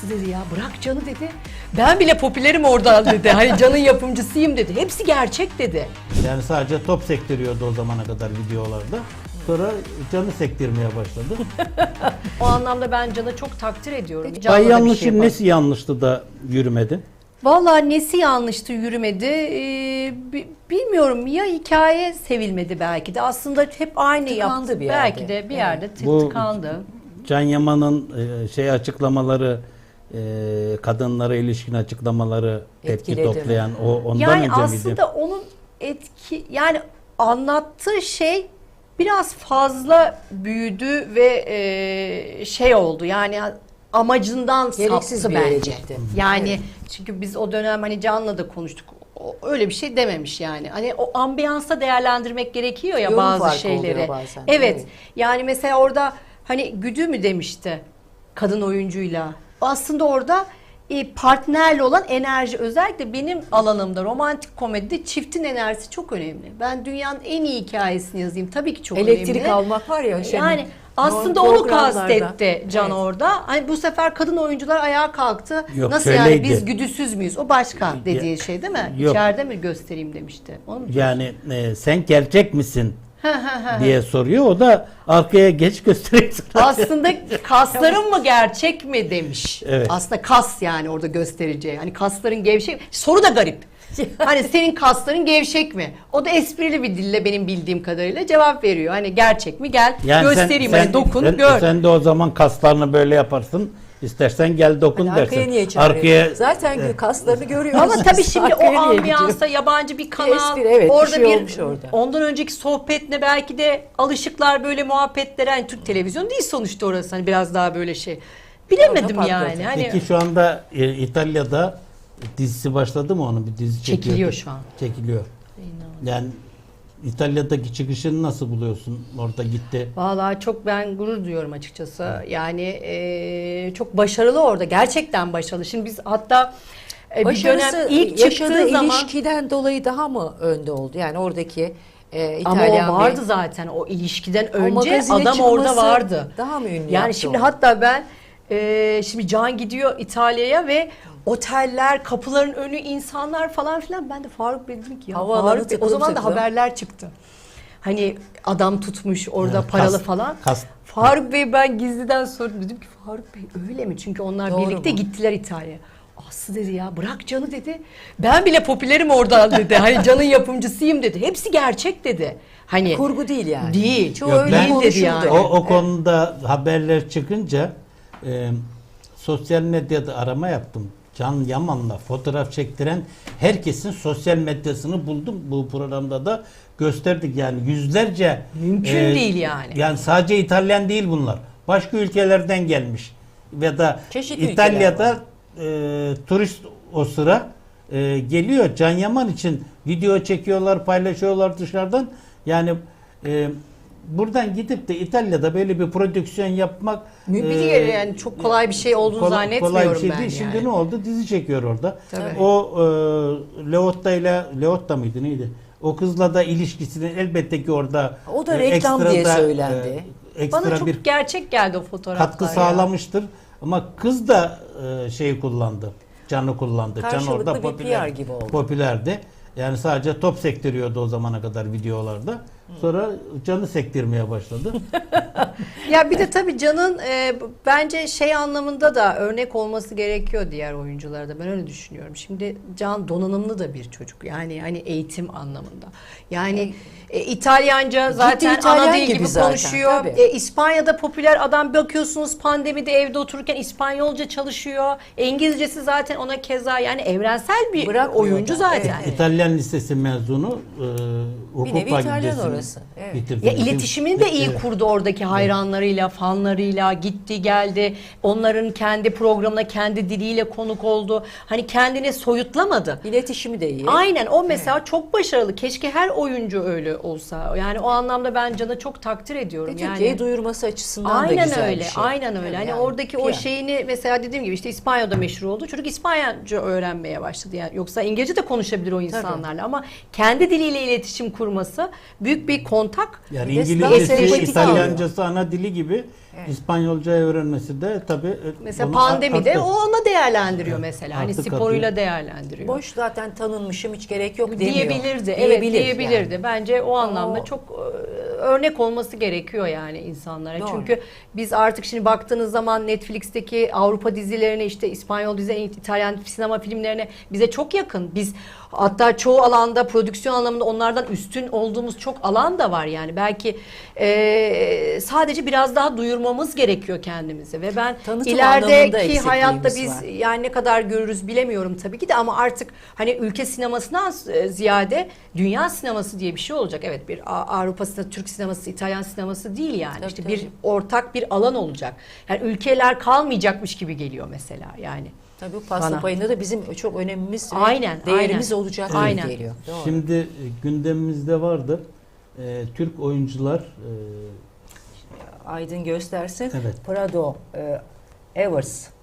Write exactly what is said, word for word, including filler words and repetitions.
Aslı dedi ya bırak Can'ı dedi. Ben bile popülerim oradan dedi. Hani Can'ın yapımcısıyım dedi. Hepsi gerçek dedi. Yani sadece top sektiriyordu o zamana kadar videolarda. Sonra Can'ı sektirmeye başladı. O anlamda ben Can'ı çok takdir ediyorum. Bay Can'la da bir yanlışın şey yapar. nesi yanlıştı da yürümedi? Vallahi nesi yanlıştı yürümedi ee, bi- bilmiyorum ya hikaye sevilmedi belki de aslında hep aynı Tıkandı yaptı bir yerde. belki de bir yerde tık Bu- tıkandı. Can Yaman'ın e, şey açıklamaları, e, kadınlara ilişkin açıklamaları tepki Etkiledi mi? toplayan o ondan Yani önce aslında miydi? onun etki yani anlattığı şey biraz fazla büyüdü ve e, şey oldu yani amacından Gereksiz saptı bir yere bence. gitti. Yani Evet. çünkü biz o dönem hani Can'la da konuştuk. O, öyle bir şey dememiş yani. Hani o ambiyansa değerlendirmek gerekiyor ya Yorum bazı farkı şeyleri. oluyor bazen. Evet. Evet. Yani mesela orada hani güdü mü demişti kadın oyuncuyla. Aslında orada e, partnerle olan enerji özellikle benim alanımda romantik komedide çiftin enerjisi çok önemli. Ben dünyanın en iyi hikayesini yazayım. Tabii ki çok Elektrik önemli. almak var ya. şey- Yani aslında norm- onu programlarda. kastetti Can Evet. orada. Hani bu sefer kadın oyuncular ayağa kalktı. Yok, Nasıl yani şöyleydi. biz güdüsüz müyüz? O başka dediği şey değil mi? Yok. İçeride mi göstereyim demişti. Onu mu? Yani e, sen gerçek misin diye soruyor. O da arkaya geç gösteriyor. Aslında kasların mı gerçek mi demiş. Evet. Aslında kas yani orada göstereceği. Hani kasların gevşek. Soru da garip. Hani senin kasların gevşek mi? O da esprili bir dille benim bildiğim kadarıyla cevap veriyor. Hani gerçek mi? Gel Yani sen- göstereyim. sen, hani dokun sen, gör. Sen de o zaman kaslarını böyle yaparsın. İstersen gel dokun Hani dersin. arkaya niye çağırıyor? Arkaya Zaten Evet. kaslarını görüyoruz. Ama tabii şimdi o Arkaya niye ambiyansa gidiyor? yabancı bir kanal, espri, evet, bir orada şey bir, olmuş orada. ondan önceki sohbetle belki de alışıklar böyle muhabbetlere. Hani Türk televizyonu değil sonuçta orası hani biraz daha böyle şey. Bilemedim Orada yani. patladı. Hani Peki şu anda e, İtalya'da dizisi başladı mı onun? Bir dizi çekiyor. Çekiliyor şu an. Çekiliyor. Yani İtalya'daki çıkışını nasıl buluyorsun? Orada gitti. vallahi çok ben gurur duyuyorum açıkçası. Yani eee, çok başarılı orada. Gerçekten başarılı. Şimdi biz hatta e, bir Başarısı dönem ilk yaşadığı çıktığı zaman ilişkiden dolayı daha mı önde oldu? Yani oradaki e, ama İtalyan o vardı bir- zaten o ilişkiden O önce magazine adam orada çıkması vardı. daha mı ünlü Yani yaptı şimdi onu? hatta ben e, şimdi Can gidiyor İtalya'ya ve oteller, kapıların önü insanlar falan filan. Ben de Faruk Bey dedim ki ya Havaalanı Faruk Bey, o tıklım zaman da tıklım. haberler çıktı. Hani adam tutmuş orada Evet, paralı kas- falan. kas- Faruk Bey ben gizliden sordum dedim ki Faruk Bey öyle mi? Çünkü onlar Doğru birlikte mu? gittiler İtalya'ya. Aslı dedi ya bırak Can'ı dedi. Ben bile popülerim oradan dedi. Hani Can'ın yapımcısıyım dedi. Hepsi gerçek dedi. Hani Kurgu değil yani. Değil. Çoğu Yok, öyle ben- konuşuldu. Değil dedi yani. O, o konuda haberler çıkınca e, sosyal medyada arama yaptım. Can Yaman'la fotoğraf çektiren herkesin sosyal medyasını buldum. Bu programda da gösterdik yani yüzlerce. Mümkün değil yani. Yani sadece İtalyan değil bunlar. Başka ülkelerden gelmiş. Ve da Çeşitli İtalya'da e, turist o sıra e, geliyor. Can Yaman için video çekiyorlar, paylaşıyorlar dışarıdan. Yani e, buradan gidip de İtalya'da böyle bir prodüksiyon yapmak Bir e, kere yani çok kolay bir şey olduğunu kolay, zannetmiyorum kolay bir şey ben değil. yani. Şimdi ne oldu? Dizi çekiyor orada. Tabii. O e, Leotta ile Leotta mıydı neydi? O kızla da ilişkisini elbette ki orada O da e, reklam ekstra diye da, söylendi. e, ekstra Bana çok bir gerçek geldi o fotoğraflar katkı ya. sağlamıştır. Ama kız da e, şeyi kullandı. Can'ı kullandı. Can Karşılıklı orada bir popüler, P R gibi oldu. popülerdi. Yani sadece top sektiriyordu o zamana kadar videolarda. Sonra Can'ı sektirmeye başladı. Ya bir de tabii Can'ın e, bence şey anlamında da örnek olması gerekiyor diğer oyunculara da. Ben öyle düşünüyorum. Şimdi Can donanımlı da bir çocuk. Yani hani eğitim anlamında. Yani e, İtalyanca zaten İtalyan ana dil gibi gibi, zaten, konuşuyor. tabii. E, İspanya'da popüler adam bakıyorsunuz pandemide evde otururken İspanyolca çalışıyor. İngilizcesi zaten ona keza yani evrensel bir Bırakmıyor oyuncu da, zaten. evet. İtalyan Lisesi mezunu. E, hukuk Bir nevi İtalyan fakültesini orası, evet. bitirdi. Ya iletişimini de iyi Evet. kurdu oradaki hayranlarıyla, fanlarıyla, gitti geldi. Onların kendi programına, kendi diliyle konuk oldu. Hani kendini soyutlamadı. İletişimi de iyi. Aynen o mesela çok başarılı. Keşke her oyuncu öyle olsa. Yani o anlamda ben Can'ı çok takdir ediyorum. Ve Türkiye'yi Yani duyurması açısından da aynen güzel öyle. bir şey. Aynen öyle. Hani Yani oradaki o P R. şeyini mesela dediğim gibi işte İspanya'da meşhur oldu. Çocuk İspanyolca öğrenmeye başladı. Yani yoksa İngilizce de konuşabilir o insanlarla ama kendi diliyle iletişim kurması büyük bir kontak. Yani Bir de İngilizcesi, sempatik İtalyancası ana dili gibi Evet. İspanyolca öğrenmesi de tabii Mesela onu pandemide artı- o ona değerlendiriyor Evet, mesela. Hani artı sporuyla katıyor. değerlendiriyor. Boş zaten tanınmışım hiç gerek yok demiyor. diyebilirdi. Evet, Diyebilir diyebilirdi. yani. Bence o anlamda o- çok e, örnek olması gerekiyor yani insanlara. Doğru. Çünkü biz artık şimdi baktığınız zaman Netflix'teki Avrupa dizilerine, işte İspanyol dizilerine, İtalyan sinema filmlerine bize çok yakın. Biz hatta çoğu alanda, prodüksiyon anlamında onlardan üstün olduğumuz çok alan da var yani. Belki e, sadece biraz daha duyurmamız gerekiyor kendimizi ve ben Tanıtım anlamında ilerideki eksikliğimiz hayatta biz var. yani ne kadar görürüz bilemiyorum tabii ki de, ama artık hani ülke sinemasından e, ziyade dünya sineması diye bir şey olacak. Evet, bir A- Avrupa sineması, Türk sineması, İtalyan sineması değil yani. Tabii, işte tabii. bir ortak bir alan olacak. Yani ülkeler kalmayacakmış gibi geliyor mesela yani. Tabii bu pasta Bana. payında da bizim çok önemimiz ve Aynen, değerimiz aynen. olacak Evet. gibi Aynen. geliyor. Doğru. Şimdi e, gündemimizde vardır. E, Türk oyuncular e, Aydın göstersin. Evet. Prado e, Evers